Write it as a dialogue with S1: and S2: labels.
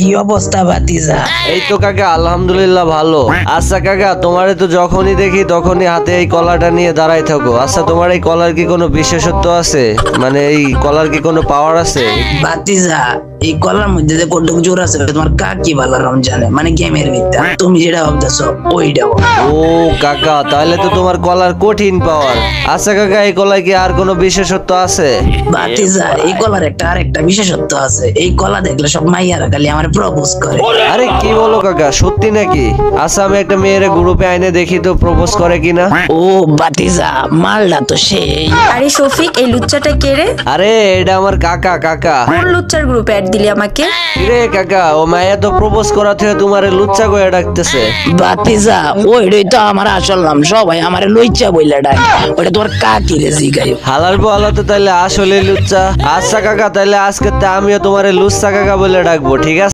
S1: কি অবস্থা ভাতিজা?
S2: এই তো কাকা আলহামদুলিল্লাহ ভালো। আচ্ছা কাকা, তোমারে তো যখনই দেখি তখনই হাতে এই কলাটা নিয়ে দাঁড়াই থাকো। আচ্ছা, তোমার এই কলার কি কোনো বিশেষত্ব আছে? মানে এই কলার কি কোনো পাওয়ার আছে?
S1: ভাতিজা, এই কলার মধ্যে যে কতটুকু জোর আছে তোমার কাকি ভালো রমজানে, মানে গেমের ভিতরে তুমি যেটা ভাবতেছো ওইটা।
S2: ও কাকা, তাহলে তো তোমার কলার কঠিন পাওয়ার। আচ্ছা কাকা, এই কলায় কি আর কোনো বিশেষত্ব আছে?
S1: ভাতিজা, এই কলার আরেকটা বিশেষত্ব আছে। এই কলা দেখলে সব মাইয়ারা খালি আমার প্রপোজ করে।
S2: আরে কি বলো কাকা, সত্যি নাকি? আচ্ছা, আমি একটা মেয়ের গ্রুপে আইনে দেখি তো প্রপোজ করে কিনা।
S1: ও ভাতিজা, মালটা তো সেই।
S3: আরে শফিক, এই লুচ্চাটা কে রে?
S2: আরে এটা আমার কাকা। কাকা
S3: কোন লুচ্চার গ্রুপে অ্যাড দিলি আমাকে?
S2: রে কাকা, ও মায়া তো প্রপোজ করা থেকে তোমারে লুচ্চা কয়ে ডাকতেছে।
S1: ভাতিজা, ওইটাই তো আমার আসল নাম, সবাই আমার লইচা বইলা ডাক। ওটা তোমার কাকি রে জিগাই।
S2: হালার বলা তো তাইলে আসলে লুচ্চা। আচ্ছা কাকা, তাইলে আজকে আমিও তোমারে লুচ্চা কাকা বলে ডাকবো, ঠিক আছে?